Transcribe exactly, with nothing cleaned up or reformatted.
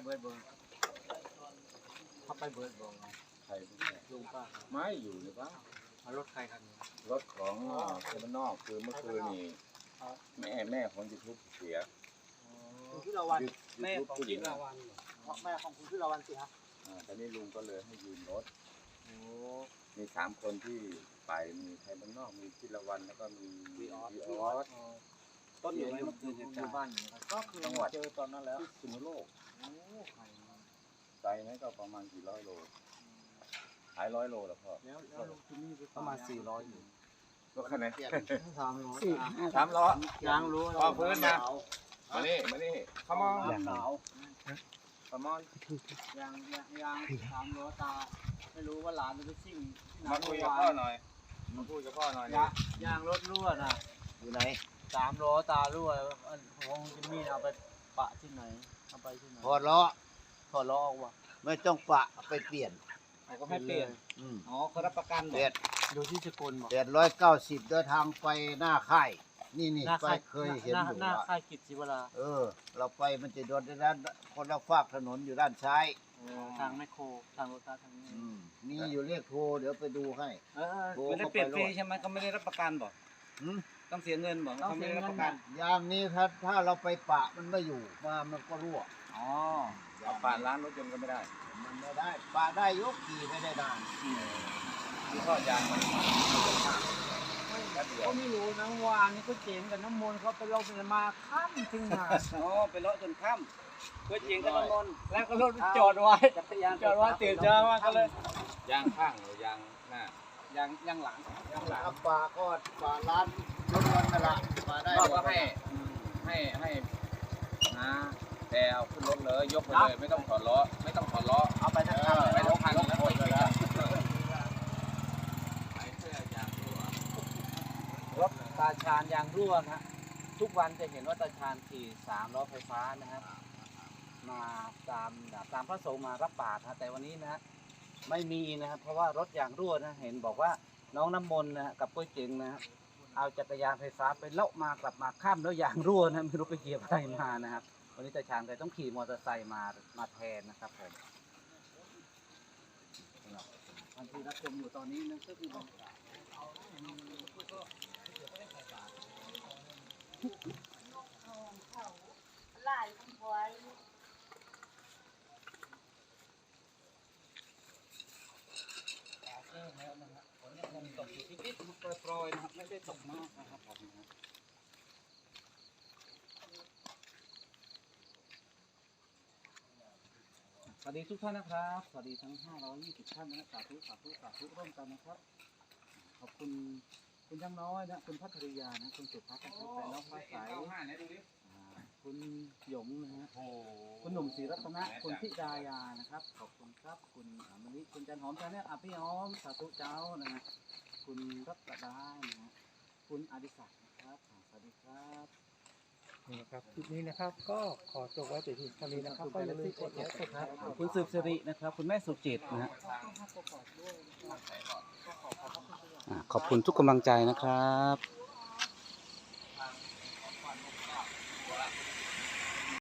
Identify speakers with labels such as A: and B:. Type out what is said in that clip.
A: บิร์ดเบิร์ดเข้าไปเบิร์ดบอก
B: ใคร
A: ลุงป้า
B: ไม่อยู่หรือเปล่า
A: เอารถใครคันนี้
B: รถของคนนอกคือเมื่อคืนนี่แม่แม่ของยูทูบเสีย
A: คุณพิรวันแม่ของพิรวันแม่ของคุณพิรวันเสีย
B: อ่าตอนนี้ลุงก็เลยให้ยืมรถมีสามคนที่ไปมีใครบ้านนอกมีพิรวันแล้วก็มีวีออส
A: ต้นอยู่ในอยู่บ้านอยู่ก็คือจังหวัดเจอตอนนั้นแล้ว
B: สุนโลกไกลไหมก็ประมาณกี่ร้อยโลหลายร้อยโลแล้วพ่อ
A: ประมาณสี่ร้อยอยู่
B: ก็แค่ไหน
A: สามร้อย
B: สามร้อย
A: ยางรู้
B: พอพื้นนะมานี่มานี่ขมอน
A: ขาว
B: ขมอน
A: ยางยางยางสามร้อยตาไม่รู้ว่าหลานจะไปซิ่ง
B: มาคุยกับพ่อหน่อยมาคุยกับพ่อหน่อย
A: ยางรถรั่วนะอยู่ไหนสามล้อตารั่วของจิมมี่เอาไปปะที่ไหนเอาไปที่ไหน
C: พอล้อ
A: ถอดล้อออกวะ
C: ไม่ต้องปะไปเปลี่ยน
A: ก็ให้เปลี่ยนอ๋อเขารับประกัน
C: เปลี่ยน
A: ดูที่สกลบอก
C: เปลี่ยนร้อยเก้าสิบเดินทางไปหน้าค่ายนี่นี่ไปเคยเห็นอยู่
A: หน้าค่ายกิจศิวรา
C: เออเราไปมันจะโดนด้านคนละฝากถนนอยู่ด้านซ้าย
A: ทางแมคโครทางรถตาทางนี้
C: มีอยู่เรียกโทรเดี๋ยวไปดูให้
A: เออไม่ได้เปลี่ยนฟรีใช่ไหมเขาไม่ได้รับประกันบอกต้องเสียเงินบอก
C: เขาไม่ได้รับประกันอย่างนี้ถ้าถ้าเราไปปะมันไม่อยู่มามันก็รั่ว
A: อ๋อ
B: เอาปะร้านรถยนต์ก็ไม่ได้
C: มันไม่ได้ปะได้ยกขี่ไม่ได้นาน
B: ที่พ่อยางมัน
A: เขาไม่รู้นะวานนี่ก็เจ๋งกับน้ำมนต์เขาไปลงเป็นมาค่ำถึงมา
B: อ๋อไปเลาะจนค่ำก็เจ๋งกับน้ำมนต์
A: แล้วก็รถจอดไว้จอดไว้ตื่นเช้ามาก็เลย
B: ยางข้างหรือยางหน้
A: ายางยางหลัง
C: ยางหลังปลาก็ปลาล้านรถล้นนั่นแหละปลาได้
B: ก็ให้ให้ให้นะแต่เอาขึ้นรถเลยยกไปเลยไม่ต้องถอดล้อไม่ต้องถอดล้อ
A: เอาไปทั้งคัน
B: ไม่ต้องคันแล้วโอยเลย
A: รถตาชาญยางรั่วนะทุกวันจะเห็นว่าตาชาญขี่สามล้อไฟฟ้านะครับมาตามตามพระสงฆ์มารับบาตรนะแต่วันนี้นะไม่มีนะครับเพราะว่ารถยางรั่วนะเห็นบอกว่าน้องน้ำมนต์นะกับปุ้ยเจ๋งนะเอาจักรยานไฟฟ้าไปเลาะมากลับมาข้ามแล้วยางรั่วนะไม่รู้ไปเหยียบอะไรมานะครับวันนี้ตาชาญเลยต้องขี่มอเตอร์ไซค์มามาแทนนะครับผมท่านที่รับชมอยู่ตอนนี้นะก็คือ
D: หลายคนพอย
A: แล้วนะครับฝนยังตกอยู่นิดๆโปรยๆนะครับไม่ได้ตกมากนะครับผมนะสวัสดีทุกท่านนะครับสวัสดีทั้งห้าร้อยยี่สิบท่านนะสาธุสาธุสาธุร่วมกันนะครับขอบคุณคุณยังน้อยนะคุณพัทริยานะคุณสุภัทรนะครับแต่น้องฟ้าใสคุณหยงนะฮะคุณหนุ่มศรีรัตนะคุณพิดายานะครับขอบคุณครับคุณมณิคุณจันหอมชาแนลอ่ะพี่หอมสาธุเจ้านะฮะคุณรัตดานะฮะคุณอดิศักดิ์นะครับสวัสดีครับ
E: นี่นะครับคลิปนี้นะครับก็ขอจบไว้แต่เพียงเท่านี้นะครับก็อย่าลืมกดไลค์กดแชร์
A: คุณสืบสิรินะครับคุณแม่สุจิตนะฮะขอบคุณทุกกำลังใจนะครับ